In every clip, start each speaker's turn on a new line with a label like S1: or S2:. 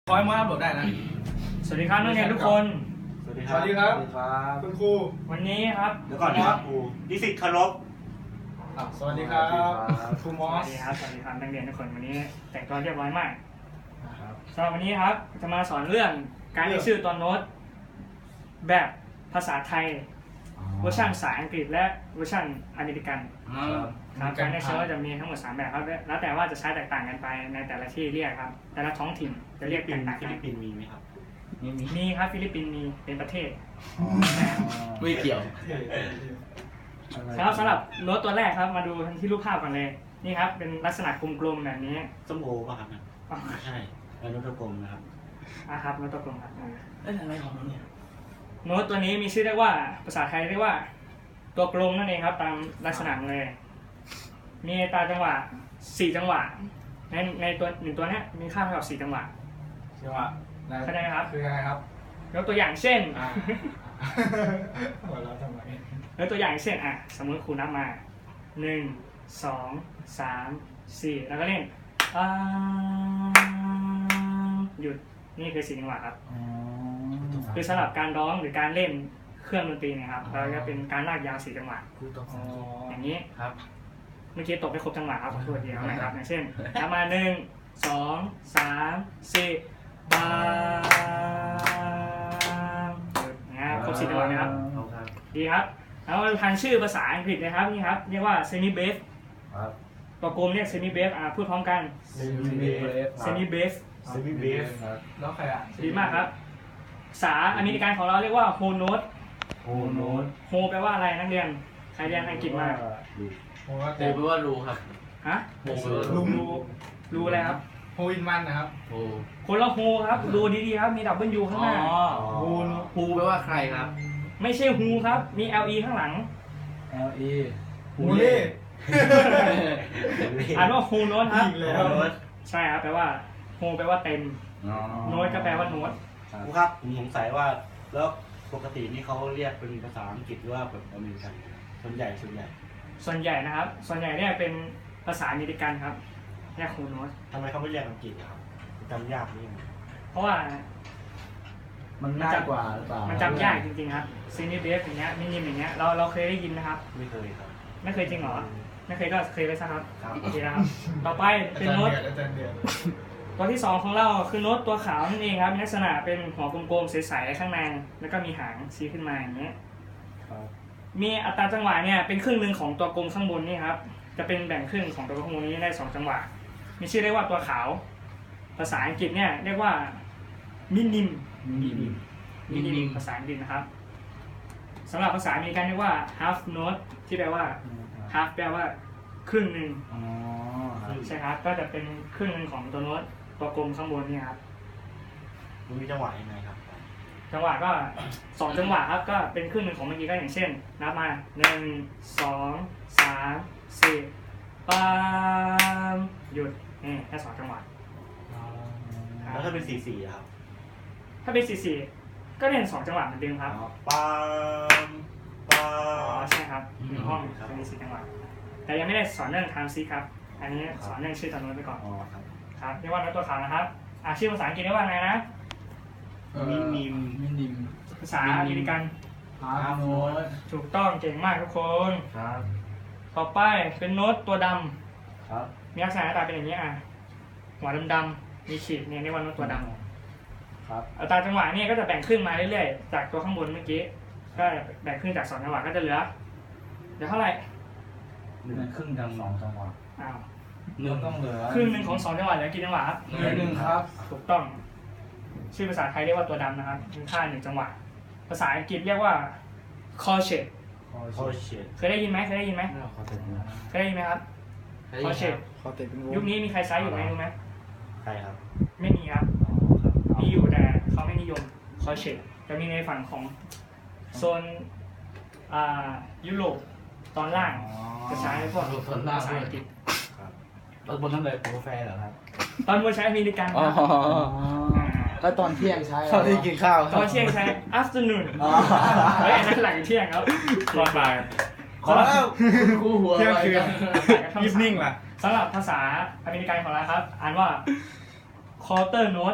S1: พอยต์มาอัพโหลดได้นะ
S2: สวัสดีครับนักเรียนทุกคน
S1: สวัสดีครับคุณครู
S2: วันนี้ครับ
S3: เดี๋ยวก่อนนะครับครูนิสิตเคารพ
S1: สวัสดีครับครูมอส
S2: สวัสดีครับนักเรียนทุกคนวันนี้แต่งตัวเรียบร้อยมากสำหรับวันนี้ครับจะมาสอนเรื่องการเรียกชื่อตัวโน้ตแบบภาษาไทยเวอร์ชันภาษาอังกฤษและเวอร์ชันอเมริกันครับการเรียกชื่อจะมีทั้งหมด3แบบครับแล้วแต่ว่าจะใช้แตกต่างกันไปในแต่ละที่เรียกครับแต่ละท้องถิ่นจะเรียกแตกต่างกัน
S3: ฟิลิปปินส์มีไหมครับ
S2: มีครับฟิลิปปินส์มีเป็นประเทศ
S4: ไม่เกี่ยว
S2: ครับสำหรับโน้ตตัวแรกครับมาดูที่รูปภาพก่อนเลยนี่ครับเป็นลักษณะกลมๆแบบนี้
S3: ส้มโอป่ะครับใช่แล้วนกกลมนะครับ
S2: ครับโน้ตตัวกลมครับ
S4: อะไรของมันเนี่ย
S2: โน้ตตัวนี้มีชื่อเรียกว่าภาษาไทยเรียกว่าตัวกลมนั่นเองครับตามลักษณะเลยมีอัตราจังหวะ4จังหวะในตัว1ตัวนี้มีค่าเท่ากับ4จังหวะเข้าใจไหมครับ
S1: คือยังไงครับ
S2: ยกตัวอย่างเช่น
S1: หัวเราะทำไม
S2: ยกตัวอย่างเช่นสมมติครูนับมา1 2 3 4แล้วก็เล่นหยุดนี่คือ4จังหวะครับคือสำหรับการร้องหรือการเล่นเครื่องดนตรีนะครับเราจะเป็นการลากยาว4จังหวะอย่างนี้
S4: ครับ
S2: เมื่อกี้ตกไม่ครบจังหวะครับขอโทษทีนะครับอย่างเช่นนับมา1 2 3 4บางนะครับครบ4จังหวะนะครับดีครับแล้วมาทางชื่อภาษาอังกฤษนะครับนี่ครับเรียกว่า semi bass ตัวกลมเรียก semi bass พูดพร้อมกัน semi bass
S1: แล้วใคร
S2: ดีมากครับภาษาอเมริกันของเราเรียกว่า whole note whole แปลว่าอะไรนักเรียนใครเรียนอังกฤษมา
S4: โฮแปลว่ารูครับ
S2: ฮะรูอะไรครับ
S1: โฮอินวันนะครับ
S2: คนละโฮครับดูดีๆครับมีดับเบิลยูข้างหน้า
S4: ฮูแปลว่าใครครับ
S2: ไม่ใช่ฮูครับมี LE ข้างหลัง
S4: LE
S1: ฮูเล่
S2: อ่านว่าโฮโน้ตครับใช่ครับแปลว่าโฮแปลว่าเต็มโน้ตก็แปลว่าโน้ต
S3: ครูครับผมสงสัยว่าแล้วปกตินี่เขาเรียกเป็นภาษาอังกฤษหรือว่าแบบอเมริกันส่วนใหญ่
S2: นะครับส่วนใหญ่เนี่ยเป็นภาษาอเมริกันครับเรียกโฮโน้ต
S3: ทำไมเขาไม่เรียกอังกฤษครับจำยากนี่
S2: เพราะว่า
S4: มันง่ายกว่าหรือเปล่า
S2: มันจำยากจริงๆครับซีนิเบฟอย่างเงี้ยมินิมอย่างเงี้ยเราเคยได้ยินนะครับ
S3: ไม่เคยครับ
S2: ไม่เคยจริงเหรอไม่เคยก็เคยไปซะครับโอเคนะครับต่อไปเป็นโน้ตตัวที่2ของเราคือโน้ตตัวขาวนั่นเองครับมีลักษณะเป็นหัวกลมๆใสๆข้างในแล้วก็มีหางชี้ขึ้นมาอย่างเงี้ยมีอัตราจังหวะเนี่ยเป็นครึ่งหนึ่งของตัวกลมข้างบนนี่ครับจะเป็นแบ่งครึ่งของตัวกลมข้างบนนี้ได้2จังหวะมีชื่อเรียกว่าตัวขาวภาษาอังกฤษเนี่ยเรียกว่ามินิมภาษาอังกฤษนะครับสำหรับภาษาอเมริกันเรียกว่า half note ที่แปลว่า half แปลว่าครึ่งหนึ่งใช่ครับก็จะเป็นครึ่งหนึ่งของตัวโน้ตตัวกลมข้างบนนี่ครับ
S3: มันมีจังหวะยังไงครับ
S2: จังหวะก็2จังหวะครับก็เป็นครึ่งหนึ่งของเมื่อกี้ก็อย่างเช่นนับมา1 2 3 4ปามหยุดนี่แค่2จังหวะ
S3: แล้วถ้าเป็น4ครับ
S2: ถ้าเป็น4ก็เล่น2จังหวะเหมือนเดิมครับ
S3: ปาม
S2: ใช่ครับในห้องจะมี4จังหวะแต่ยังไม่ได้สอนเรื่อง time seek ครับอันนี้สอนเรื่องชื่อตัวโน้ตไปก่อนครับเรียกว่าโน้ตตัวขาวนะครับชื่อภาษาอังกฤษเรียกว่าไงนะ
S3: มินิม
S2: ภาษาอเมริกัน
S4: โน้ต
S2: ถูกต้องเก่งมากทุกคน
S4: ครับ
S2: ต่อไปเป็นโน้ตตัวดำ
S4: ครับ
S2: มีลักษณะหน้าตาเป็นอย่างนี้หัวดำๆมีขีดเนี่ยเรียกว่าโน้ตตัวดำ
S4: ครับ
S2: อัตราจังหวะนี่ก็จะแบ่งครึ่งมาเรื่อยๆจากตัวข้างบนเมื่อกี้ก็แบ่งครึ่งจาก2จังหวะก็จะเหลือเท่าไหร่
S4: ครึ่งจัง2จังหวะต้องเหลือ
S2: ครึ่งหนึ่งของ2จังหวะเหลือกี่จังหวะครับ
S4: 1ครับ
S2: ถูกต้องชื่อภาษาไทยเรียกว่าตัวดำนะครับมีค่า1จังหวะภาษาอังกฤษเรียกว่า crochet เคยได้ยินไหมเคยได้ยินไหมครับcrochet ยุคนี้มีใครใช้อยู่ไหมรู้ไหม
S3: ใช่ครับ
S2: ไม่มีครับมีอยู่แต่เขาไม่นิยมcrochet จะมีในฝั่งของโซนยุโรปตอนล่างจะใช้พวกภาษาอังกฤษ
S4: ตอนบนนั่นเลยกาแฟเหรอครับ
S2: ตอนบนใช้อเมริกัน
S4: แล้วตอนเที่ยงใช้
S2: ตอนที่กินข้าวตอนเที่ยงใช้ afternoon เฮ้ยนั่นหลังเที่ยงครับตอนบ่าย
S4: ขอแล้วคู่หัว
S1: เที่ยงคืน evening ล่ะ
S2: สำหรับภาษาอเมริกันของเราครับอ่านว่า quarter note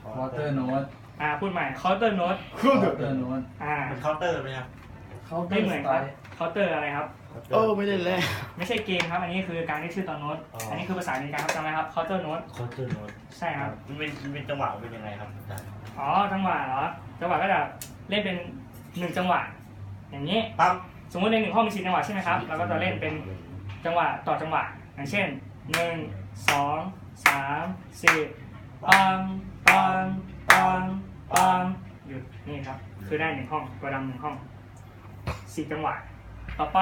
S4: วอเตอร์โน้ต
S2: พูดใหม่ counter note
S4: วอเตอร์โน้ต
S3: เป็นเคาน์เตอร์ไหมครับ
S4: เขาเตอ
S2: ไม่
S4: ร์
S2: เหมื
S4: ส
S2: อน
S4: ไต
S2: ครับ
S4: ล์
S2: counter อะไรครับ
S5: ไม่ได้เลย
S2: ไม่ใช่เกมครับ อันนี้คือการที่ชื่อตัวโน้ต อันนี้คือภาษาอเมริกันครับจำไหมครับ counter note
S3: เคาน์เตอร์โน้ต
S2: ใช่ครับ
S3: มันเป็นจังหวะเป็นยังไงครับอาจารย์
S2: จังหวะเหรอ จังหวะก็จะเล่นเป็น1จังหวะ อย่างนี้
S3: ปั๊บ
S2: สมมติใน1ห้องมี4จังหวะใช่ไหมครับ เราก็จะเล่นเป็นจังหวะต่อจังหวะ อย่างเช่น 1 2 3 4ปังปังปังปังหยุดนี่ครับ คือได้1ห้อง ตัวดำ1ห้อง4จังหวะ ต่อไป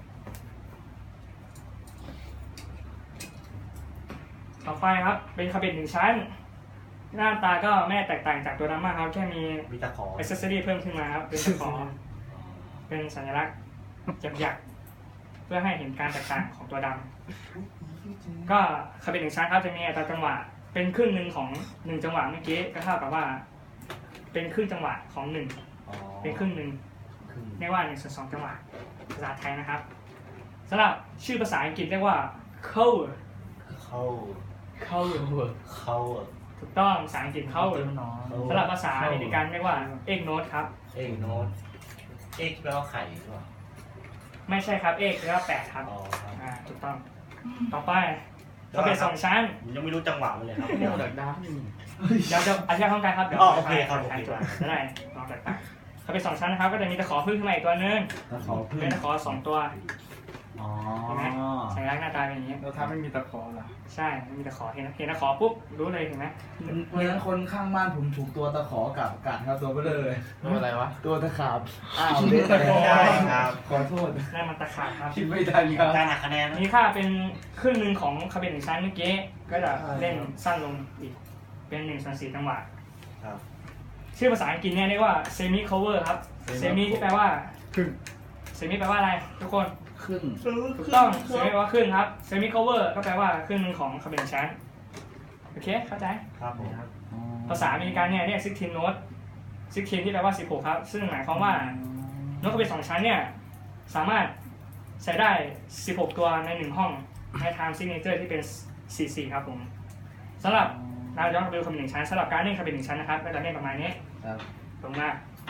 S2: ครับ เป็นคาเบต1ชั้น หน้าตาก็ไม่แตกต่างจากตัวดำมากครับ แค่มี
S3: มีตะขอ
S2: อิสเซอรี่เพิ่มขึ้นมาครับ เป็นตะขอ เป็นสัญลักษณ์หยักๆเพื่อให้เห็นการแตกต่างของตัวดำก็คาเบต1ชั้นครับจะมีอัตราจังหวะเป็นครึ่งหนึ่งของ1จังหวะเมื่อกี้ก็เท่ากับว่า เป็นครึ่งจังหวะของ1เป็นครึ่งหนึ่งเรียกว่า1/2จังหวะภาษาไทยนะครับสำหรับชื่อภาษาอังกฤษเรียกว่า cover
S3: เข้า
S2: cover
S3: เข้า
S2: ถูกต้องภาษาอังกฤษ cover
S4: น้อย
S2: สำหรับภาษาอเมริกันเรียกว่า egg note ครับ
S3: เอ็กโน้ตเอ็กแปลว่าไข่หรือเปล่า
S2: ไม่ใช่ครับ egg แปลว่า8ครับ
S3: อ๋อครับ
S2: ถูกต้องต่อไปคาเบต2ชั้น
S3: ผมยังไม่รู้จังหวะมันเลยครับ
S5: โมดักดาร์ก
S2: เดี๋ยวจะอธิบายพร้อมกันครับ เดี๋ยว
S3: อ๋อโอเคครับ
S2: อธิบายจะได้ลองแตกต่างเขาเป็น2ชั้นนะครับ ก็จะมีตะขอพึ่งขึ้นมาอีกตัวนึง
S4: ตะขอพึ่ง
S2: เป็นตะขอ2ตัว
S4: อ๋อ
S2: เห็นไหมสัญลักษณ์หน้าตาเป็นอย่างนี้
S1: แล้วถ้าไม่มีตะขอล่ะ
S2: ใช่มีตะขอเห็นตะขอปุ๊บรู้เลยเห็นไหม
S4: เหมือนคนข้างบ้านผมถูกตัวตะขอกัดครับตัวเบลอเลย
S5: ตัวอะไรวะ
S4: ตัวตะขาบอ้าวเด็ด
S3: ใช่ครับ
S4: ขอโทษ
S2: นั่นมันตะขาบครับ
S4: คิดไม่ทันครับ
S3: การหักคะแนนนะ
S2: มีค่าเป็นครึ่งหนึ่งของคาเบต1ชั้นเมื่อกี้ก็จะเล่นสั้นลงอีกเป็น1/4จังหวะ
S3: ครับ
S2: ชื่อภาษาอังกฤษเนี่ยเรียกว่า semi cover ครับ semi ที่แปลว่า
S1: ครึ่ง
S2: semi แปลว่าอะไรทุกคน
S4: ครึ่ง
S2: ถูกต้องเซมิแปลว่าครึ่งครับเซมิคอเวอร์ก็แปลว่าครึ่งหนึงของคาเบนชั้นโอเคเข้าใจ
S3: ครับผม
S2: ภาษาอเมริกันเนี่ยเรียก16 note 16ที่แปลว่า16ครับซึ่งหมายความว่าโน้ตคาเบน2ชั้นเนี่ยสามารถใช้ได้16ตัวใน1ห้องใน time signature ที่เป็น44ครับผมสำหรับเราย้อนไปดูคาเบน1ชั้นสำหรับการเล่นคาเบน1ชั้นนะครับก็จะเล่นประมาณนี้
S4: ครับ
S2: ตรงมา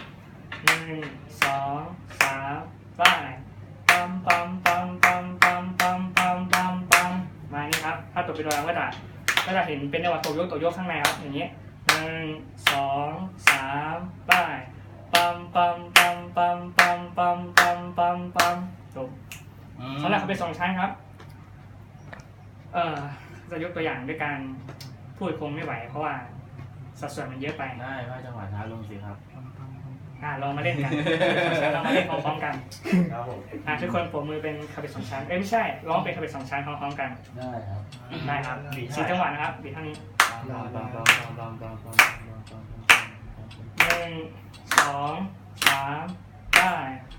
S2: 1 2 3ไปปั๊มปั๊มปั๊มปั๊มปั๊มปั๊มปั๊มปั๊มปั๊มมานี่ครับถ้าตกเป็นตัวเราก็จะเห็นเป็นจังหวะตัวโยกข้างในครับอย่างนี้1 2 3ไปปั๊มปั๊มปั๊มปั๊มปั๊มปั๊มปั๊มปั๊มปั๊มจบสำหรับเขาเป็น2ชั้นครับจะยกตัวอย่างด้วยการพูดคงไม่ไหวเพราะว่าสัดส่วนมันเยอะไป
S4: ได้ว่าจังหวะช้าลงสิครับ
S2: ลองมาเล่นกัน เรามาเล่นพร้อมๆกัน
S3: ครับผม
S2: ทุกคนปรบมือเป็นคาเบต2ชั้นไม่ใช่ร้องเป็นคาเบต2ชั้นพร้อมๆกัน
S4: ได้ครับ
S2: ได้ครับ4จังหวะนะครับบีบเท่านี้1 2 3ได้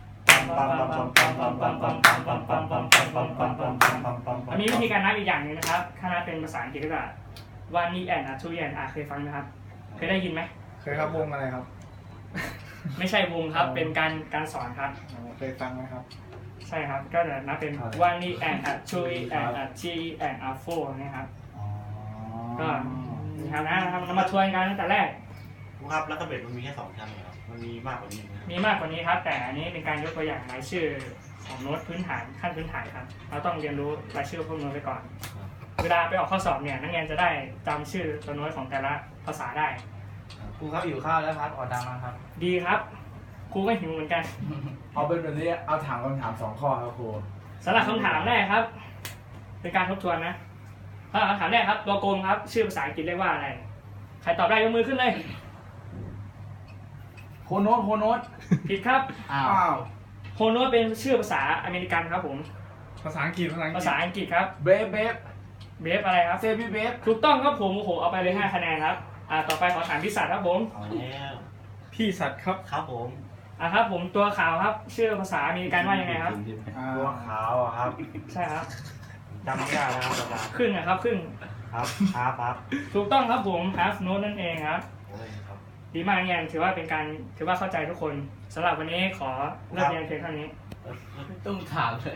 S2: มีวิธีการนับอีกอย่างหนึงนะครับถ้านับเป็นภาษาอังกฤษก็จะวันนี้แอนทูแอนเคยฟังไหมครับเคยได้ยินไหม
S1: เคยครับวงอะไรครับ
S2: ไม่ใช่วงครับเป็นการสอนครับ
S1: เคยฟังไหมครับ
S2: ใช่ครับก็จะนับเป็น one and a two and a three and a four นะครับก็นี่ครับนะเรามาทวนกันตั้งแต่แรก
S3: ครับแล้วก็เบ็ดมันมีแค่2ชั้นเหรอครับมันมีมากกว่านี้ไหมครับ
S2: มีมากกว่านี้ครับ แต่อันนี้เป็นการยกตัวอย่างรายชื่อของโน้ตพื้นฐานขั้นพื้นฐานครับเราต้องเรียนรู้รายชื่อพวกโน้ตไปก่อน เวลาไปออกข้อสอบเนี่ยนักเรียนจะได้จำชื่อตัวโน้ตของแต่ละภาษาได้
S4: ครูครับอยู่ข้าวแล้วครับออดดังมาครับ
S2: ดีครับครูก็หิวเหมือนกัน
S4: เอาเป็นแบบนี้เอาถามคำถาม2ข้อครับครู
S2: สำหรับคำถามแรกครับ เป็นการทบทวนนะคำถามแรกครับตัวโกงครับชื่อภาษาอังกฤษเรียกว่าอะไรใครตอบได้ยกมือขึ้นเลย
S4: โคโน้ต
S2: ผิดครับ
S4: อ้าว
S2: โฮโนตเป็นชื่อภาษาอเมริกันครับผม
S1: ภาษาอังกฤษ
S2: ภาษาอังกฤษครับ
S4: เบฟ
S2: เบฟอะไรครับ
S4: เซฟี่เบฟ
S2: ถูกต้องครับผมโอ้โหเอาไปเลย5คะแนนครับต่อไปขอถามพิสัทครับผม
S3: เอาแล้ว
S1: พี่สัตว์ครับ
S3: ครับผม
S2: ครับผมตัวขาวครับชื่อภาษาอเมริกันว่ายังไงครับ
S3: ตัวขาวอะครับ
S2: ใช่ครับ
S3: จำไม่ได้แล้วครับอาจารย์
S2: ครึ่งนะครับครึ่ง
S3: ครับครับ
S2: ถูกต้องครับผม half note นั่นเองครับ
S3: โอ้ยครับ
S2: ดีมากเรียนถือว่าเข้าใจทุกคนสำหรับวันนี้ขอเลิกเรียนเพียงเท่านี้
S4: ต้องถามเลย